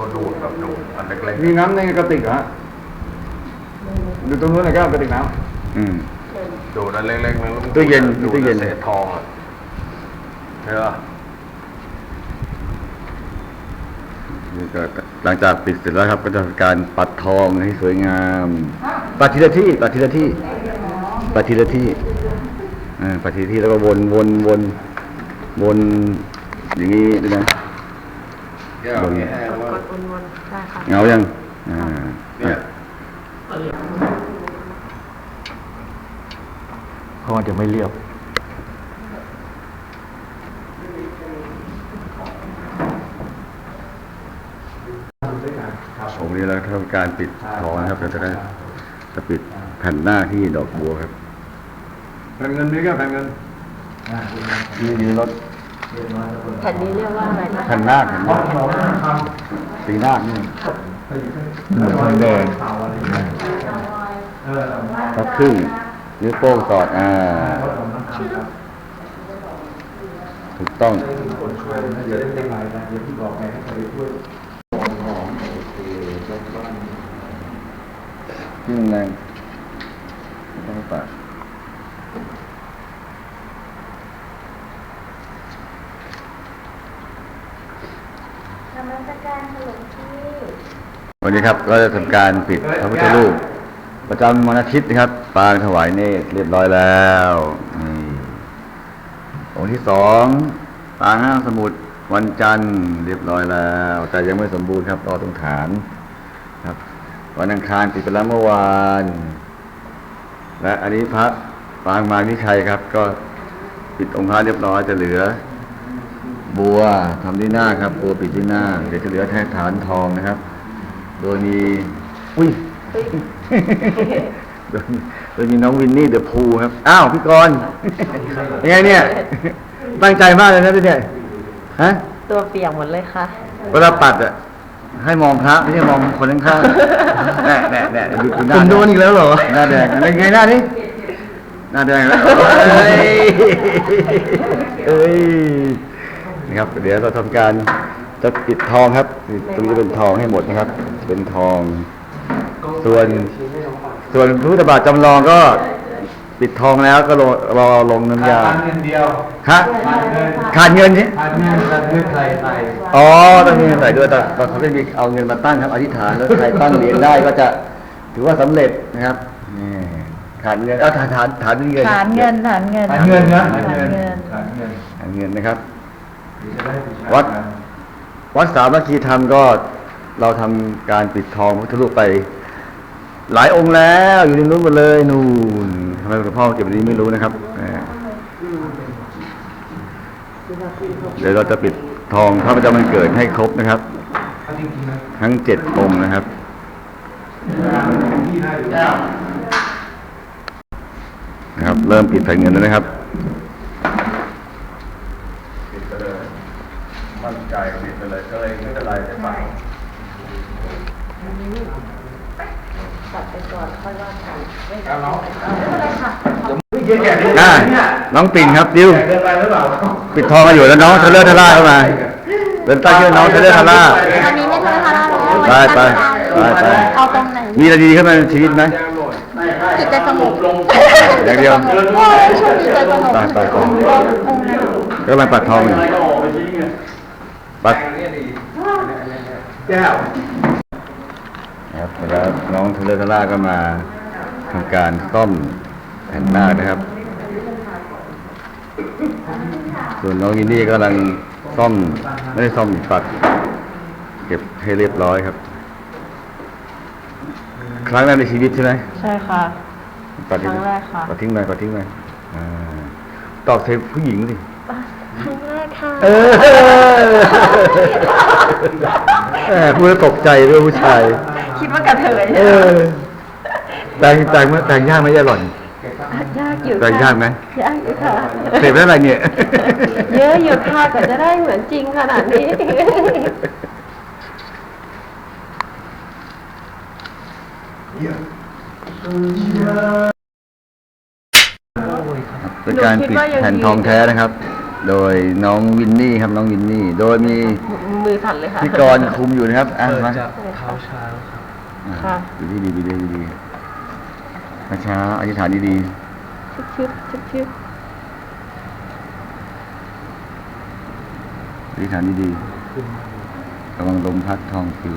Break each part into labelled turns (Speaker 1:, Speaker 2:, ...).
Speaker 1: ตัวดูดแบบดูดอันเล็ก
Speaker 2: มีน้ำในกระติกเหรอฮะอยู่ตรงนู้นเลยครับกระติกน้ำ
Speaker 1: ๆดูดอันเล็กๆนึง
Speaker 2: ตู้เย็น
Speaker 1: ดู
Speaker 2: ตู้เย็น
Speaker 1: เศษทองอ่ะใช่ป่ะ
Speaker 2: นี่ก็หลังจากปิดเสร็จแล้วครับก็จะทำการปัดทองให้สวยงามปัดทีละที่ปัดทีละที่ปัดทีละที่ปัดทีละที่แล้วก็วนอย่างนี้ด้วยนะวน
Speaker 3: กดวนๆได้ค่ะ
Speaker 2: เงายังเนี่ยเพราะมันจะไม่เรียบผมนี้แล้วทำการปิดทองนะครับเราจะปิดแผ่นหน้าที่ดอกบัวครับแผ่นเงินนี่ก็แผ่นเงินนี่รถ
Speaker 3: แผ่นนี้เรียกว่าอะไรนะ
Speaker 2: แผ่นหน้าสีหน้านี่แดงก็ครึ่งนิ้วโป้งสอดถูกต้องยิ่งแรงต้องปาดวันนี้ครับก็จะทำการปิดพระพุทธรูปประจำวันอาทิตย์นะครับปางถวายเนตรเรียบร้อยแล้วองค์ที่สองปางห้างสมุดวันจันทร์เรียบร้อยแล้วแต่ยังไม่สมบูรณ์ครับรอตรงฐานครับวันอังคารปิดไปแล้วเมื่อวานและอันนี้พระปางมานิชัยครับก็ปิดองค์พระเรียบร้อยจะเหลือบัวทำที่หน้าครับบัวปิดที่หน้าเดี๋ยวจะเหลือแท่ฐานทองนะครับโดยมีโดยมีน้องวินนี่เดอะพูครับอ้าวพี่กรณ์ยังไงเนี่ยตั้งใจมากเลยนะพี่เนี่ยฮะ
Speaker 3: ตัวเปียกหมดเลยค่ะ
Speaker 2: เวลาปัดอ่ะให้มองพระไม่ใช่มองคนข้างๆแน่ดูหน้าคุณโดนอีกแล้วเหรอหน้าแดงอะไรไงหน้านี่หน้าแดงแล้วเอ้ยนะครับเดี๋ยวเราทำการจะปิดทองครับตรงนี้เป็นทองให้หมดนะครับเป็นทองส่วนพระพุทธบาทจำลองก็ปิดทองแล้วก็รอลงน้ำยา
Speaker 1: ขาดเงินเดียว
Speaker 2: ฮะขาดเงินใช่
Speaker 1: ขาดเงินใส่
Speaker 2: อ๋อต้องมีเงินใส่ด้วยแต่เขาไม่มีเอาเงินมาตั้งครับอธิษฐานแล้วใครตั้งเหรียญได้ก็จะถือว่าสำเร็จนะครับนี่ขาดเงินเอาฐานเงิน
Speaker 3: ฐานเงินนะฐานเงิน
Speaker 2: นะครับวัดสามัคคีธรรมก็เราทำการปิดทองพระพุทธรูปไปหลายองค์แล้วอยู่ในนู้นหมดเลยนู่นทำไมหลวงพ่อเก็บอันนี้ไม่รู้นะครับเดี๋ยวเราจะปิดทองพระประจำวันเกิดให้ครบนะครับทั้ง7 องค์นะครับเริ่มปิดแผ่นเงินแล้วนะครับปิดไปเลยมั่นใจปิดไปเลยก็เลยไม่เป็นไรแต่ปัง
Speaker 3: ตัดไปก่อนค่อยว่ากันไม่เป็น
Speaker 1: ไร
Speaker 3: ค่ะ
Speaker 2: น้องปิ่นครับดิวปิดทองมาอยู่แล้วน้องเทเลอร์ทาร่าเข้ามาเป็นตั้งชื่อน้องเทเลอร์ทาร่า
Speaker 3: ตอนนี้ไม่เทเลอร์ทาร่าแล้ว
Speaker 2: ไป
Speaker 3: เอาตรงไหน
Speaker 2: มีอะไรดีขึ้นมาในชีวิตไหม
Speaker 3: จิตใจสงบ
Speaker 2: อย่างเดียว
Speaker 3: ช่วงนี้ใจสงบ
Speaker 2: ไปก็มาปัดทองปัดแก้วครับแล้วน้องเทเลอร์ทาร่าก็มาทำการซ่อมแผ่นหน้านะครับส่วนน้องยินนี่กำลังซ่อมไม่ได้ซ่อมปัดเก็บให้เรียบร้อยครับครั้งแรกในชีวิตใช่ไหม
Speaker 3: ใช่ค่ะ
Speaker 2: ปัดครั้งแรกค่ะปัดทิ้งไปตอบเทปผู้หญิงสิ
Speaker 3: ครั้งแรกค่ะ
Speaker 2: พูดแล้วตกใจด้วยผู้ชาย
Speaker 3: คิดว่ากระเทย
Speaker 2: แต่งยากไหมย่าหล่อน
Speaker 3: ยากอยู่
Speaker 2: แต่งยากไหม
Speaker 3: ยากอยู่ค่ะ
Speaker 2: เสพได้อะไรเนี่ย
Speaker 3: เยอะอยู่ค่ะกว่าจะได้เหมือนจริงขนาดนี้
Speaker 2: เป็นการปิดแผ่นทองแท้นะครับโดยน้องวินนี่ครับน้องวินนี่ โดยมี
Speaker 3: มือสั่นเลยค่ะ
Speaker 2: พี่กรณ์คุมอยู่นะครับอ่ะ
Speaker 1: เปิด
Speaker 2: มา
Speaker 1: จากเท้าช้างครับ
Speaker 3: ค่ะ
Speaker 2: ดูดีดีดีดีช้าๆอธิษฐานดี
Speaker 3: ชึบๆชึบ
Speaker 2: ๆอธิษฐานดีๆระวังลมพัดทองฟิว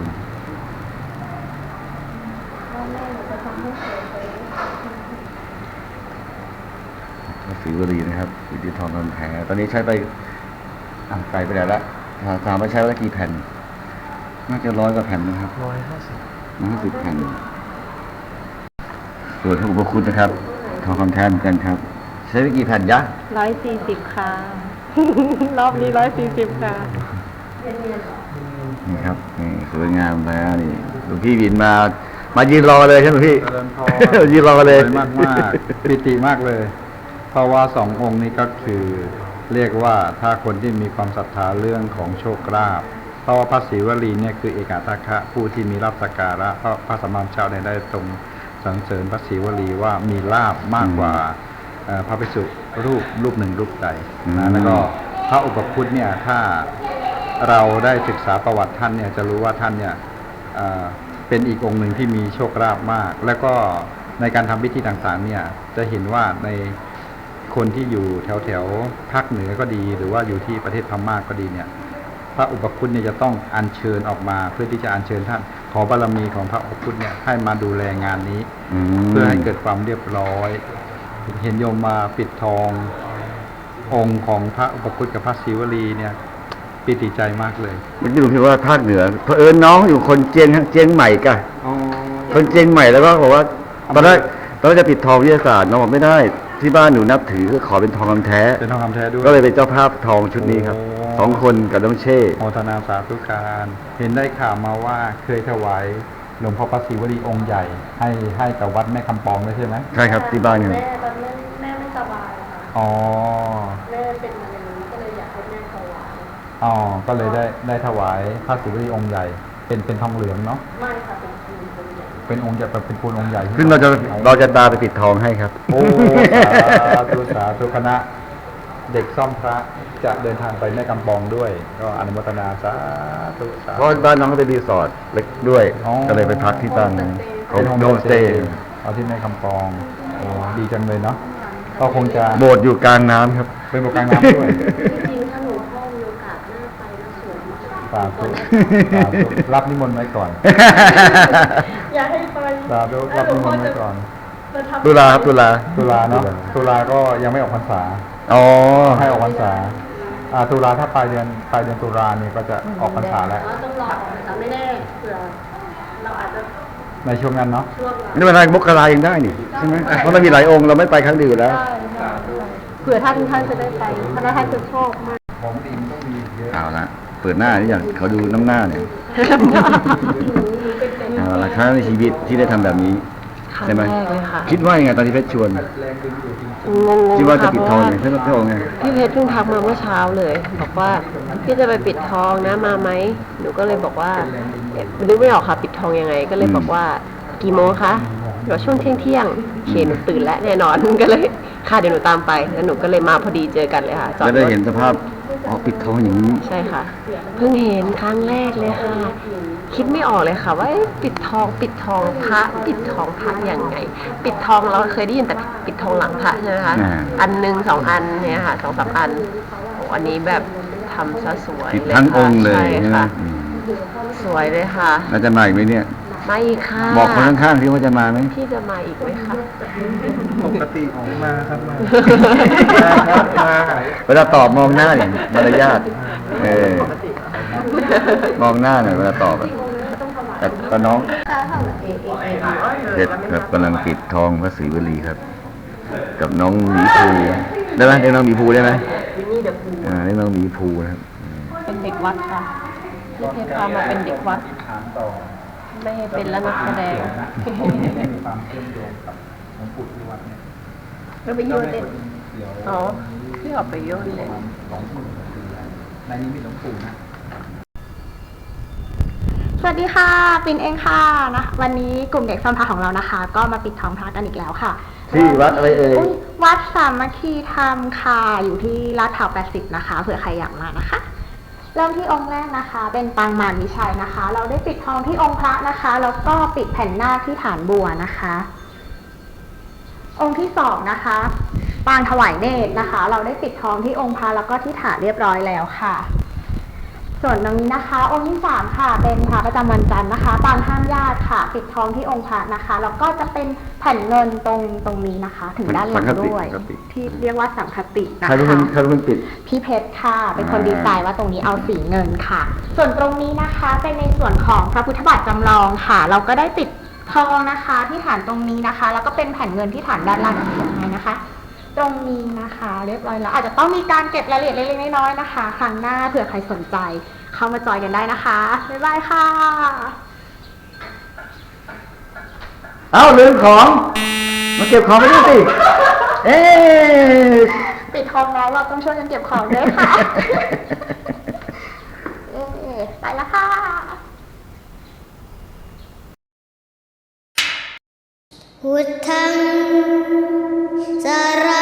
Speaker 2: พระศรีวลีนะครับอยู่ที่ทองคำแท้ตอนนี้ใช้ไปไกลไปไหนละถามว่าใช้ไปแล้วกี่แผ่นน่าจะ100 กว่าแผ่นนะครับ
Speaker 1: 150
Speaker 2: 150 แผ่นส่วนพระอุปคุณนะครับทองคำแท้เหมือนกันครับ ใช้ไปกี่แผ่นยะ
Speaker 3: 140 ค่ะ รอบนี้ 140 ค่ะ
Speaker 2: นี่ครับนี่สวยงามแล้วนี่หลวงพี่วินมายืนรอเลยใช่ไหมพี่
Speaker 4: เจริญพร
Speaker 2: ยืนรอเลย
Speaker 4: สวยมากปิติมากเลย เพราะว่า2 องค์นี้ก็คือเรียกว่าถ้าคนที่มีความศรัทธาเรื่องของโชคลาภเพราะว่าพระศรีวลีเนี่ยคือเอกอัตถะผู้ที่มีลาภสักการะเพราะพระสัมมาสัมพุทธเจ้าได้ตรงสรรเสริญพระศรีวลีว่ามีลาภมากกว่าพระภิกษุรูปหนึ่งรูปใดนะแล้วก็พระอุปคุตเนี่ยถ้าเราได้ศึกษาประวัติท่านเนี่ยจะรู้ว่าท่านเนี่ยเป็นอีกองค์หนึ่งที่มีโชคลาภมาก แล้วก็ในการทำพิธีต่างๆเนี่ยจะเห็นว่าในคนที่อยู่แถวภาคเหนือก็ดี หรือว่าอยู่ที่ประเทศพม่าก็ดีเนี่ยพระอุปคุตเนี่ยจะต้องอัญเชิญออกมาเพื่อที่จะอัญเชิญท่านขอบารมีของพระอุปคุตเนี่ยให้มาดูแลงานนี้ เพื่อให้เกิดความเรียบร้อย เห็นโยมมาปิดทององค์ของพระอุปคุตกับพระศิวลีเนี่ยปิติใจมากเลย
Speaker 2: เมื่อกี้หลวงพี่ว่าภาคเหนือเผอิญน้องอยู่คนเจียงใหม่กะคนเจียงใหม่แล้วก็บอกว่าตอนแรกจะปิดทองวิทยาศาสตร์น้องบอกไม่ได้ที่บ้านหนูนับถือก็ขอเป็นทองคำแท้
Speaker 4: เป็นทองคำแท้ด้วย
Speaker 2: ก็เลยเป็นเจ้าภาพทองชุดนี้ครับ
Speaker 4: โอ้
Speaker 2: 2 คนกับน้องเช่
Speaker 4: โมทนาสาธุการ เห็นได้ข่าวมาว่าเคยถวายหลวงพ่อพระศิวลีองค์ใหญ่ ให้กับวัดแม่คำปองด้วยใช่ไหม
Speaker 2: ใช่ครับที่บ้านเนี่ย
Speaker 3: แม่ตอนนั้นแม่ไม่สบายค่ะ
Speaker 4: อ๋อ
Speaker 3: แม่เป็นมะเร็งก็เลยอยากให้แม่ถวาย
Speaker 4: อ๋อก็เลยได้ถวายพระศิวลีองค์ใหญ่ เป็นทองเหลืองเนาะ
Speaker 3: ไม่ค่ะเป็นคืนเป็นใหญ่
Speaker 4: เป็นองค์ใหญ่เป็นปูนองค์ใหญ่
Speaker 2: ซึ่งเราจะตามไปปิดทองให้ครับ
Speaker 4: โอ้สาธุคณะเด็กซ่อมพระจะเดินทางไปแม่กำปองด้วย ก็อนุโมทนาสาธุสา
Speaker 2: เพ
Speaker 4: ธุ
Speaker 2: ราะบ้านน้องก็เป็นรีสอร์ทเล็กด้วย
Speaker 4: อ๋อ
Speaker 2: ก็เลยไปพักที่บ้านนั้นเขาโฮมสเตย์
Speaker 4: เอาที่แม่กำปองโอ้ดีจังเลยเนาะก็คงจะ
Speaker 2: โบสถ์อยู่กลางน้ำครับ
Speaker 4: เป็นโบสถ์กลางน้ำด้วย
Speaker 3: จริงๆถ้าหนูพ่อมีโอกาสหน้าไปแล้วสวยมาก
Speaker 4: สาธุสาธุรับนิมนต์ไว้ก่อน
Speaker 3: อยากให้ไป
Speaker 4: สาธุรับนิมนต์ไว้ก่อน
Speaker 2: ตุลาครับตุลา
Speaker 4: ตุลาเนาะตุลาก็ยังไม่ออกพรรษา
Speaker 2: อ๋อ
Speaker 4: ให้ออกพรรษาตุลาถ้าปลายเดือนตุลาเนี่ยก็จะออกพรรษาแล้ว
Speaker 3: ต้องรอแต่ไม่แน่เผื่อเราอาจจะ
Speaker 4: ในช่วงนั้นเนาะ
Speaker 3: ช่วง
Speaker 2: นี่เป็นอะไรมกรายังได้นี่ใช่ไหมเพราะเรามีหลายองค์เราไม่ไปครั้งเดียวอยู่แล้ว
Speaker 3: เผื่อท่านจะได้ไปเพราะท่านจะชอบมาก
Speaker 4: ของดีมันต้องมีเยอะ
Speaker 2: เอาละเปิดหน้านี่อย่างเขาดูน้ำหน้าเนี่ยเอาละครั้งในชีวิตที่ได้ทำแบบนี้
Speaker 3: ครั้ง
Speaker 2: ใช่ไหม
Speaker 3: แรกเลยค่ะ
Speaker 2: คิดว่ายังไงตอนที่เพชรชวน
Speaker 4: แรงดึงดูดจริง
Speaker 3: งง
Speaker 2: คิด
Speaker 3: ๆ
Speaker 2: ว่าจะ
Speaker 3: ค่ะ
Speaker 2: ปิด
Speaker 3: เพ
Speaker 2: ทอ
Speaker 3: ราะ
Speaker 2: ง
Speaker 3: ว่า
Speaker 2: ไงใช่ไหมพี่โองไง
Speaker 3: พี่เพชรเพิ่งทักมาเมื่อเช้าเลย บอกว่าพี่จะไปปิดทองนะมาไหมหนูก็เลยบอกว่านึกไม่ออกค่ะปิดทองยังไง ก็เลยบอกว่ากี่โมงคะเดี๋ยวช่วงเที่ยงๆเขียนหนูตื่นแล้วแน่นอน ก็เลยค่ะเดี๋ยวหนูตามไปแล้วหนูก็เลยมาพอดีเจอกันเลยค่ะจอด
Speaker 2: จะ
Speaker 3: ร
Speaker 2: ได้
Speaker 3: ถ
Speaker 2: เห็นสภาพอ๋อปิดทองอย่างนี้
Speaker 3: ใช่ค่ะ เพิ่งเห็นครั้งแรกเลยค่ะ คิดไม่ออกเลยค่ะ ว่าเอ๊ะปิดทองพระปิดทองพระยังไง ปิดทองเราเคยได้ยินแต่ปิดทองหลังพระใช่ไหมคะ
Speaker 2: อ่า
Speaker 3: อันหนึ่ง2 อันเนี่ยค่ะ2-3 อันโอ้อันนี้แบบทำซะสวย
Speaker 2: ปิด
Speaker 3: เลย
Speaker 2: ทั้งอ
Speaker 3: ค่ะ
Speaker 2: งค์เลย
Speaker 3: ใช่
Speaker 2: ใช่ไหม
Speaker 3: ค่ะ
Speaker 2: อืม
Speaker 3: สวยเลยค่ะ
Speaker 2: แล้วจะมาอีกไหมเนี่ย
Speaker 3: มาอีกค่ะ
Speaker 2: บอกคนข้างๆที่ว่าจะมาไหม
Speaker 3: พี่จะมาอีกไหมคะ
Speaker 4: ปกติมาครับมา
Speaker 2: เวลาตอบมองหน้าเนี่ยมารยาทมองหน้าหน่อยเวลาตอบอะแต่น้องเพชรครับกำลังปิดทองพระศรีวลีครับ กับน้องหมีภูได้ไหมเรียกน้องหมีภูได้ไหม
Speaker 3: วินนี่เดอะพู
Speaker 2: เรียกน้องหมีภูนะครับ
Speaker 3: เป็นเด็กวัดค่ะพี่เพชรพามาเป็นเด็กวัด
Speaker 4: ถามต่อ
Speaker 3: ไม่ให้เป็นแล้วนักแสดง
Speaker 4: มีความเชื่อมโยงกับหลวงปู่ที่วัดเนี่ย
Speaker 3: เราไปโยนเล่น
Speaker 4: เดี๋ยว
Speaker 3: อ๋อพี่ออกไปโยนเล่น
Speaker 4: 20,000 ปีแล้วในนี้มีหลวงปู่นะ
Speaker 5: สวัสดีค่ะปิ่นเองค่ะนะวันนี้กลุ่มเด็กซ่อมพระของเรานะคะ ก็มาปิดทองพระกันอีกแล้วค่ะ
Speaker 2: ที่วัดอะไรเอ่ย
Speaker 5: วัดสามัคคีธรรมค่ะอยู่ที่ลาดพร้าว80นะคะเผื่อใครอยากมานะคะ เริ่มที่องค์แรกนะคะ เป็นปางมารวิชัยนะคะ เราได้ปิดทองที่องค์พระนะคะแล้วก็ปิดแผ่นหน้าที่ฐานบัวนะคะ องค์ที่สองนะคะปางถวายเนตรนะคะ เราได้ปิดทองที่องค์พระแล้วก็ที่ฐานเรียบร้อยแล้วค่ะ ส่วนตรงนี้นะคะองค์ที่สามค่ะเป็นพระประจำวันจันทร์นะคะปางห้ามญาติค่ะปิดทองที่องค์พระนะคะแล้วก็จะเป็นแผ่นเงินตรงนี้นะคะ ถึงด้านหลังด้วย
Speaker 2: สังคติ
Speaker 5: ที่เรียกว่าสังคตินะ
Speaker 2: ใครเป็น
Speaker 5: คะ
Speaker 2: คนปิด
Speaker 5: พี่เพชรค่ะเป็นคนดีไซน์ว่าตรงนี้เอาสีเงินค่ะ ส่วนตรงนี้นะคะเป็นในส่วนของพระพุทธบาทจำลองค่ะ เราก็ได้ติดทองนะคะที่ฐานตรงนี้นะคะ แล้วก็เป็นแผ่นเงินที่ฐานด้านล่างยังไงนะคะ ตรงนี้นะคะเรียบร้อยแล้วอาจจะต้องมีการเก็บรายละเอียดเล็กๆน้อยๆนะคะครั้งหน้าเผื่อใครสนใจเข้ามาจอยกันได้นะคะบ๊ายบายค่ะ
Speaker 2: เอ้าลืมของ มาเก็บของไปด้วยสิ เอ๊ะ
Speaker 5: ปิดทองแล้วเราต้องช่วยกันเก็บของด้วยค่ะ ไปแล้วค่ะ
Speaker 6: พุทธังสาร